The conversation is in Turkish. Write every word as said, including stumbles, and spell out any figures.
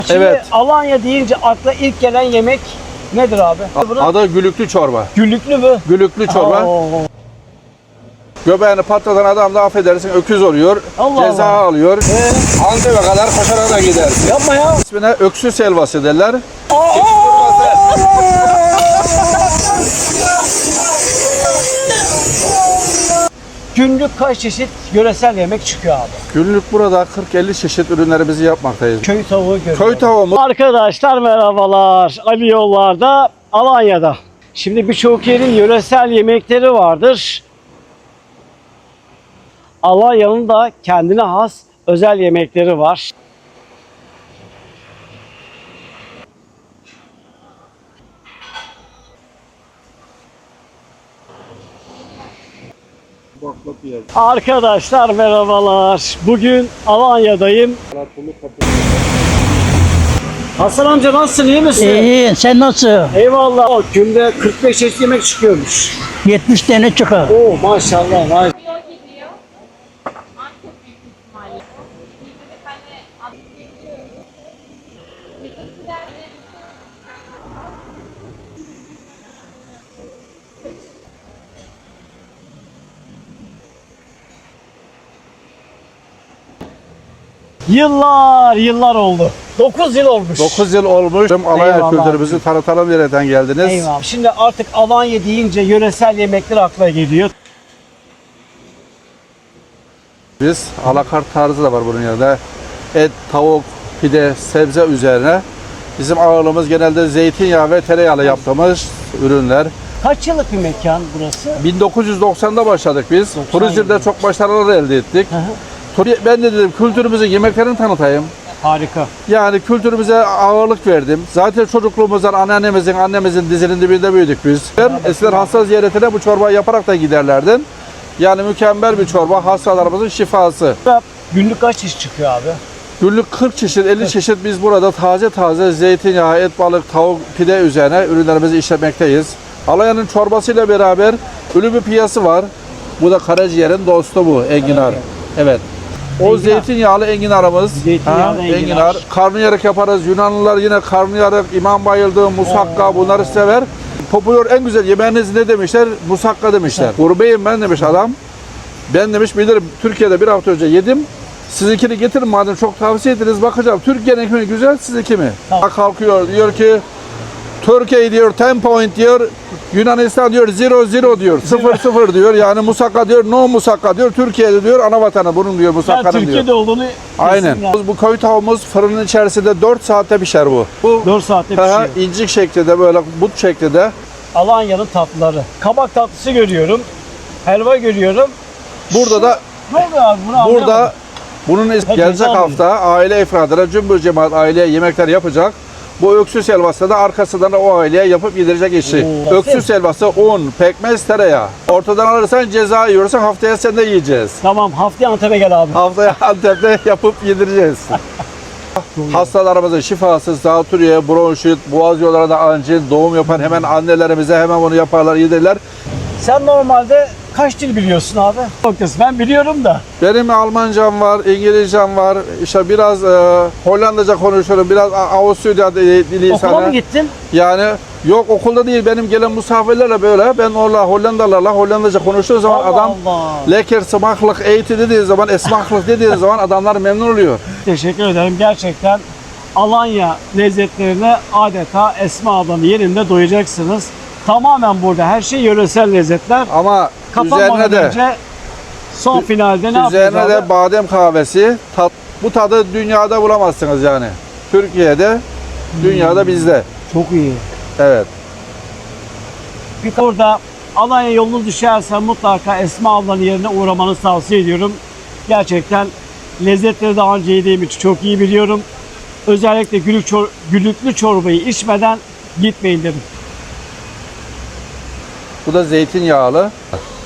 Şimdi Evet. Alanya deyince akla ilk gelen yemek nedir abi? Adı gülüklü çorba. Güllüklü mü? Gülüklü çorba. Oo. Göbeğini patlatan adam da affedersin öküz oluyor. Allah ceza Allah. alıyor. Ee? Antep'e kadar koşarak da gider. Yapma ya. İsmine öksüz helvası derler. Günlük kaç çeşit yöresel yemek çıkıyor abi? Günlük burada kırk elli çeşit ürünlerimizi yapmaktayız. Köy tavuğu görüyorum. Köy tavuğumuz. Arkadaşlar merhabalar. Ali Yollar'da, Alanya'da. Şimdi birçok yerin yöresel yemekleri vardır. Alanya'nın da kendine has özel yemekleri var. Arkadaşlar merhabalar. Bugün Alanya'dayım. Hasan amca nasılsın, iyi misin? İyi, sen nasıl? Eyvallah. O günde kırk beş çeşit yemek çıkıyormuş. yetmiş tane çıkar. Oo maşallah. maşallah. Gidiyor. Antep büyük ihtimalle. Bir tane Antep geliyor. Yıllar yıllar oldu. dokuz yıl olmuş. dokuz yıl olmuş. Alanya Eyvallah. kültürümüzü tanıtalım nereden geldiniz? Eyvallah. Şimdi artık Alanya deyince yöresel yemekler akla geliyor. Biz alakart tarzı da var bunun yanında. Et, tavuk, pide, sebze üzerine. Bizim ağırlığımız genelde zeytinyağı ve tereyağıyla yaptığımız ürünler. Kaç yıllık bir mekan burası? bin dokuz yüz doksan'da başladık biz. doksan Turizmde yılında. çok başarılar elde ettik. Hı hı. Turi- Ben de dedim kültürümüzün yemeklerini tanıtayım. Harika. Yani kültürümüze ağırlık verdim. Zaten çocukluğumuzdan anneannemizin, annemizin dizinin dibinde büyüdük biz. Ben eskiden hasta ziyaretine bu çorbayı yaparak da giderlerdim. Yani mükemmel bir çorba, hastalarımızın şifası. Günlük kaç çeşit çıkıyor abi? Günlük kırk çeşit, elli çeşit biz burada taze taze zeytinyağı, et, balık, tavuk, pide üzerine ürünlerimizi işlemekteyiz. Alanya'nın çorbasıyla beraber ölü bir piyası var. Bu da karaciğerin dostu bu, enginar. Evet. O Enginar. zeytinyağlı enginarımız. Zeytinyağlı Ha, enginar. enginar. Karnıyarık yaparız. Yunanlılar yine karnıyarık, imam bayıldığı, musakka bunları sever. Popüler en güzel yemeğiniz ne demişler? Musakka demişler. Gurbeyim ben demiş adam. Ben demiş bilirim Türkiye'de bir hafta önce yedim. Sizinkini getirin madem çok tavsiye ediniz bakacağım. Türkiye'nin mi güzel sizinki mi? Tamam. Kalkıyor diyor ki Türkiye diyor on point diyor. Yunanistan diyor zero zero diyor. sıfır sıfır diyor. Yani musakka diyor no musakka diyor. Türkiye'de diyor ana vatanı bunun diyor Yani musakkanın diyor. Türkiye'de olduğunu Aynen. kesin Bu köy tavuğumuz fırının içerisinde dört saatte pişer bu. Bu dört saatte Aha, pişiyor. incik şeklinde böyle but şeklinde. Alanya'nın tatlıları. Kabak tatlısı görüyorum. Helva görüyorum. Burada da Ne oluyor abi bunu anlayamadım. burada bunun is- Peki, gelecek tamam. hafta aile ifradına cümbür cemaat aileye yemekler yapacak. Bu öksüz helvası da arkasından da o aileye yapıp yedirecek işi. Oo. Öksüz helvası un, pekmez, tereyağı. Ortadan alırsan ceza yiyorsan haftaya sen de yiyeceğiz. Tamam haftaya Antep'e gel abi. Haftaya Antep'te yapıp yedireceğiz. Hastalarımızın şifası, zatürre, bronşit, boğaz yollarında angin, doğum yapan hemen annelerimize hemen bunu yaparlar, yedirirler. Sen normalde kaç dil biliyorsun abi? Noktası. Ben biliyorum da. Benim Almancam var, İngilizcem var, işte biraz e, Hollandaca konuşuyorum, biraz A- Avusturya dili Okula sana. mı gittin? Yani yok okulda değil, benim gelen misafirlerle böyle, ben orada Hollandalarla Hollandaca konuştuğu zaman Allah adam Allah. lekker smaklık eğiti dediği zaman, esmaklık dediği zaman adamlar memnun oluyor. Teşekkür ederim. Gerçekten Alanya lezzetlerine adeta Esma ablanın yerinde doyacaksınız. Tamamen burada her şey yöresel lezzetler. Ama Kapanmadan üzerine de önce son finalde ne üzerine yapacağız de abi? badem kahvesi. Tat, bu tadı dünyada bulamazsınız yani. Türkiye'de, dünyada bizde. Çok iyi. Evet. Bir orada Alanya yolunuz düşerse mutlaka Esma ablanın yerine uğramanızı tavsiye ediyorum. Gerçekten lezzetleri daha önce yediğim için çok iyi biliyorum. Özellikle gülük çor gülüklü çorbayı içmeden gitmeyin dedim. Bu da zeytinyağlı.